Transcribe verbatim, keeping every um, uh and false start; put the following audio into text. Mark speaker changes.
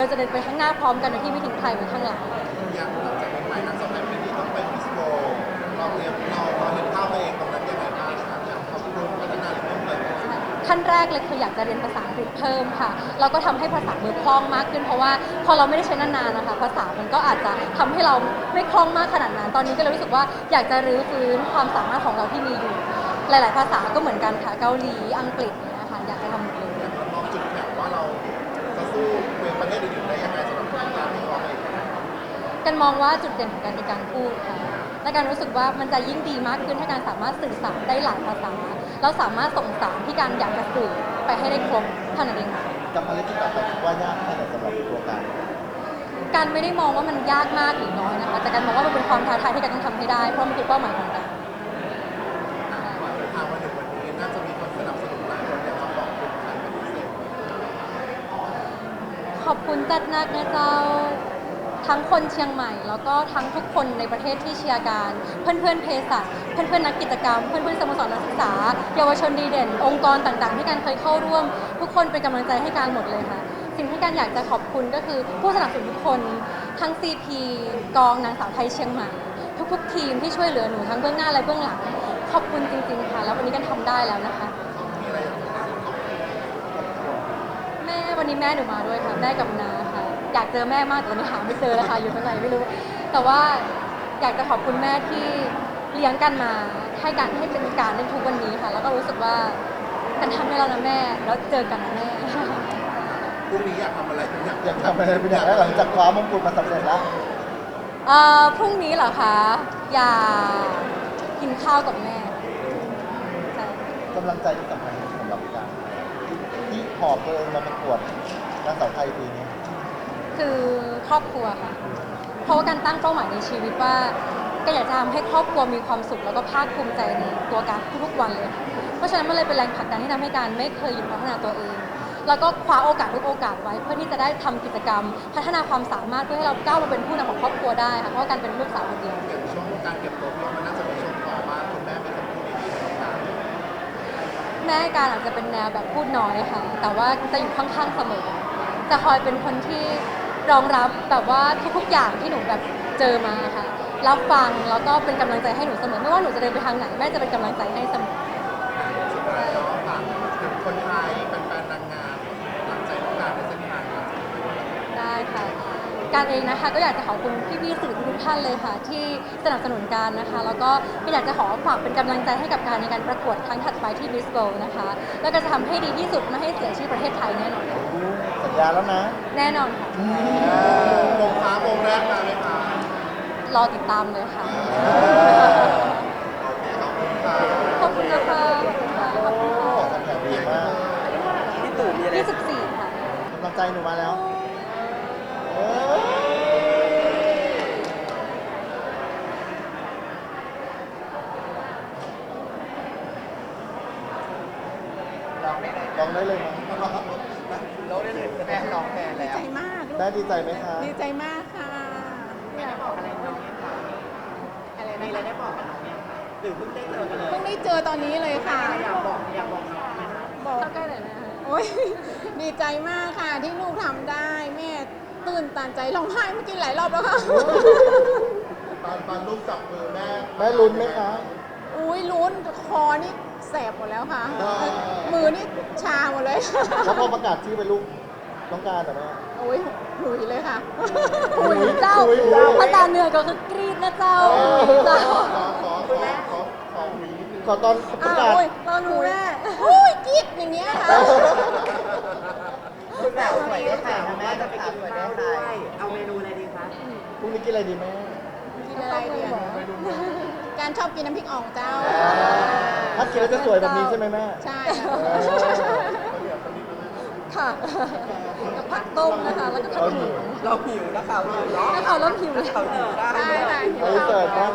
Speaker 1: จะเดินไปข้างหน้าพร้อมกันโดยที่ไม่ทิ้งใครไว้ข้างหลัง
Speaker 2: อย่างหลังจากนี้ไปนักแสดงเป็นที่ต้องไปมิสโกเราเตรียมเราเราเห็นภาพตัวเองตรงนั้นยังไงบ้างครับอยากขอบคุณพัฒนาหรือเพิ่มเติม
Speaker 1: ขั้นแรกเลยคืออยากจะเรียนภาษาอังกฤษเพิ่มค่ะเราก็ทำให้ภาษามือคล่องมากขึ้นเพราะว่าพอเราไม่ได้ใช้นานๆนะคะภาษามันก็อาจจะทำให้เราไม่คล่องมากขนาดนั้นตอนนี้ก็เลยรู้สึกว่าอยากจะรื้อฟื้นความสามารถของเราที่มีอยู่หลายๆภาษาก็เหมือนกันค่ะเกาหลีอังกฤษเนี่ยค่ะอยากจะทำหมดเลย
Speaker 2: เรามองจุดแข็งว่าเราจะสู้เป็นประเทศอื่นๆได้ยังไงสำหรับการที่เราเอง
Speaker 1: กันมองว่าจุดเด่นของการในการพูดค่ะและการรู้สึกว่ามันจะยิ่งดีมากขึ้นถ้าการสามารถสื่อสารได้หลายภาษาแล้วสามารถส่งสารที่การอยากจะสื่อไปให้ได้ครบเท่านั้นเองค่ะ
Speaker 3: กับภารกิจต่อไปคิดว่ายากแค่ไหนสำหรับตัวการ
Speaker 1: การไม่ได้มองว่ามันยากมากหรือน้อยนะคะแต่การมองว่ามันเป็นความท้าทายที่การต้องทำให้ได้เพราะมันคือเป้าหมายของการ
Speaker 2: ทางวันหนึ่งวันนี้น่าจะมีคนสนับสนุนหลายคนอยากจะขอบคุณใครเป็นพิเศษ
Speaker 1: ขอบคุณจัดนักนะเจ้าทั้งคนเชียงใหม่แล้วก็ทั้งทุกคนในประเทศที่เชียร์การเพื่อนๆเภสัชเพื่อนๆนักกิจกรรมเพื่อนๆสโมสรนักศึกษาเยาวชนดีเด่นองค์กรต่างๆที่การเคยเข้าร่วมทุกคนเป็นกำลังใจให้การหมดเลยค่ะสิ่งที่การอยากจะขอบคุณก็คือผู้สนับสนุนทุกคนทั้ง ซี พี กองนางสาวไทยเชียงใหม่ทุกๆทีมที่ช่วยเหลือหนูทั้งเบื้องหน้าและเบื้องหลังขอบคุณจริงๆค่ะแล้ววันนี้กันทำได้แล้วนะคะแม่วันนี้แม่หนูมาด้วยค่ะแม่กับนาค่ะอยากเจอแม่มากแต่วันนี้หาไม่เจอแล้วค่ะอยู่ตรงไหนไม่รู้แต่ว่าอยากจะขอบคุณแม่ที่เลี้ยงกันมาให้การให้เป็นการในทุกวันนี้ค่ะแล้วก็รู้สึกว่ากันทำให้เรานะแม่แล้วเจอกันนะแม่
Speaker 2: พรุ่งนี้อยากทำอะไรอยาก
Speaker 3: อยากทำอะไรเป็นอย่างแรกหลังจากคว้ามงกุฎมาสำเร็จแล้ว
Speaker 1: เอ่อพรุ่งนี้เหรอคะอยากกินข้าวกับแม่
Speaker 3: กำลังใจที่สำคัญสำหรับการที่หอบตัวเองมาประกวดนางสาวไทยปีนี้
Speaker 1: คือครอบครัวค่ะเพราะว่าการตั้งเป้าหมายในชีวิตว่าก็อยากจะทำให้ครอบครัวมีความสุขแล้วก็ภาคภูมิใจในตัวการทุกๆวันเลยเพราะฉะนั้นมันเลยเป็นแรงผลักดันที่ทำให้การไม่เคยหยุดพัฒนาตัวเองแล้วก็คว้าโอกาสทุกโอกาสไว้เพื่อที่จะได้ทำกิจกรรมพัฒนาความสามารถเพื่อให้เราก้าวมาเป็นผู้นำของครอบครัวได้ค่ะเพราะการเป็นลูกสาวคนเดียว
Speaker 2: ช่วงการเก็บตัวพี่มันน่าจะเป็นช่วงต่อว่าคุณแม่เป็นคนพูดดีๆกับการ
Speaker 1: แม่การอาจจะเป็นแนวแบบพูดน้อยค่ะแต่ว่าจะอยู่ข้างๆเสมอจะคอยเป็นคนที่รองรับแบบว่าทุกๆอย่างที่หนูแบบเจอมาค่ะรับฟังแล้วก็เป็นกำลังใจให้หนูเสมอไม่ว่าหนูจะเดินไปทางไหนแม่จะเป็นกำลังใจให้เสมอ
Speaker 2: สุดท้ายแล้วฝากถึงคนไทยแฟนๆนางงามหลังใจทุกการในเส้นทาง
Speaker 1: ได้ค่ะการเองนะคะก็อยากจะขอบคุณพี่ๆสื่อทุกท่านเลยค่ะที่สนับสนุนการนะคะแล้วก็อยากจะขอฝากเป็นกำลังใจให้กับการในการประกวดครั้งถัดไปที่มิสโกลนะคะแล้วก็จะทำให้ดีที่สุดไม่ให้เสียชื่อประเทศไทยแน่นอน
Speaker 3: สัญญาแล้วนะ
Speaker 1: แน่นอนค่ะ
Speaker 2: วงค้าวงแรกมาไหมคะ
Speaker 1: รอติดตามเลยค่ะขอบคุณนะคะขอบคุณค่ะ
Speaker 3: ขอบคุณค่ะดีมาก
Speaker 4: พี่ตู่มีอะไร
Speaker 1: ยี่สิบสี่ค่ะ
Speaker 3: กำลังใจหนูมาแล้วลองได้เลยมั้ย
Speaker 4: เราได้เลยแม่ลองแม่แล้ว
Speaker 5: ดีใจมาก
Speaker 3: แม่ดีใจไหมคะ
Speaker 5: ดีใจมากค่ะ
Speaker 4: ไม่ได้บอกอะไรน้องเนี่ยค่ะอะไรมีอะไรได้บอกกับน้องเนี่ยค่ะหรือเพิ่งได้เจอกันเลย
Speaker 5: เพิ่งได้เจอตอนนี้เลยค่ะ
Speaker 4: อยากบอกอยากบอกน้องไหมคะ
Speaker 5: บอก
Speaker 1: ใกล้ๆหน่อยนะคะ
Speaker 5: โอ๊ยดีใจมากค่ะที่ลูกทำได้แม่ตื่นตันใจร้องไห้เมื่อกี้หลายรอบแล้วค่ะ
Speaker 2: ตอนตอนลูกจับมือแม่
Speaker 3: แม่ลุ้นไหมคะ
Speaker 5: อุ้ยลุ้นคอนี่แสบหมดแล้วค่ะมือนี่ชาหมดเลย
Speaker 3: แล้วพอประกาศชื่อเป็นลูกต้องการแต่แม่
Speaker 5: โอ้ยหุยเลยค่ะ
Speaker 1: หุยเจ้าภาษาเหนือก็คือกรีดนะเจ้าเจ้า
Speaker 2: ขอขอขอขอขอขอหุย
Speaker 3: ขอตอนประกาศ
Speaker 5: ตอนหุยโอ้ยกรีดอย่างเงี้ยค่ะ
Speaker 4: คุณแบบสวยได้ใครนะแม่จะไปกินสวยได้ใครเอาเมนูอะไรดีคะ
Speaker 3: พรุ่งนี้กินอะไรดีแม่
Speaker 5: กินอะไรดีการชอบกินน้ำพริกอ่องเจ้า
Speaker 3: ถ้ากินแล้วจะสวยแบบนี้ใช่ไหมแม่
Speaker 5: ใช่
Speaker 1: ค่ะกับผักต้มนะคะแล้วก็ขนม
Speaker 4: เราหิวนะข่าวหิวเนาะ
Speaker 1: นักข่าวเริ่มหิวแล้ว
Speaker 4: ข่าวหิวได้
Speaker 5: ได้ค่ะหิว
Speaker 3: เสิร์ฟมา